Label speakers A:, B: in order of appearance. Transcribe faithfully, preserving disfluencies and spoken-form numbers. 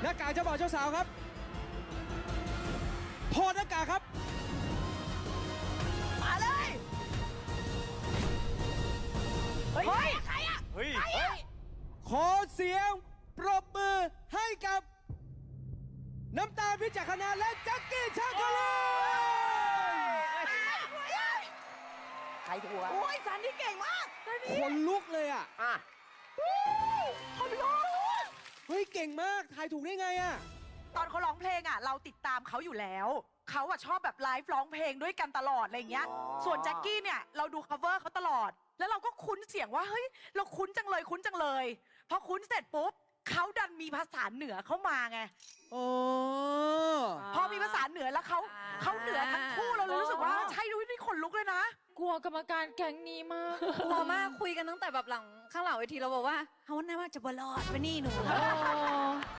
A: หน้ากากเจ้าบ่าวเจ้าสาวครับถอดหน้ากากครับ
B: มาเลยเฮ้ยใครอะ
C: เฮ้ย
B: ใครอะ
A: ขอเสียงปรบมือให้กับน้ำตาลพิจักรณาและแจ็คกี้ชาคาลี
B: ใครถูกโอ้ยซันนี่เก่งมากซันนี่
A: คนลุกเลยอ่ะ
C: อ่ะ
B: คนลุก
A: เฮ้ยเก่งมากทายถูกได้ไงอ่ะ
B: ตอนเขาร้องเพลงอ่ะเราติดตามเขาอยู่แล้วเขาอ่ะชอบแบบไลฟ์ร้องเพลงด้วยกันตลอดอะไรเงี้ยส่วนแจ็คกี้เนี่ยเราดู cover เขาตลอดแล้วเราก็คุ้นเสียงว่าเฮ้ยเราคุ้นจังเลยคุ้นจังเลยพอคุ้นเสร็จปุ๊บเขาดันมีภาษาเหนือเข้ามาไง
A: โอ้
B: พอมีภาษาเหนือแล้วเขาเขาเหนือทั้งคู่เราเลยรู้สึกว่าใช่ด้วยนี่ขนลุกเลยนะ
D: กลัวกรรมการแก๊งนี้มาก
E: กลัวมากคุยกันตั้งแต่แบบหลังข้างหลังเวทีเราบอกว่าเขาหน้าว่าจะบลอดไปนี่หนู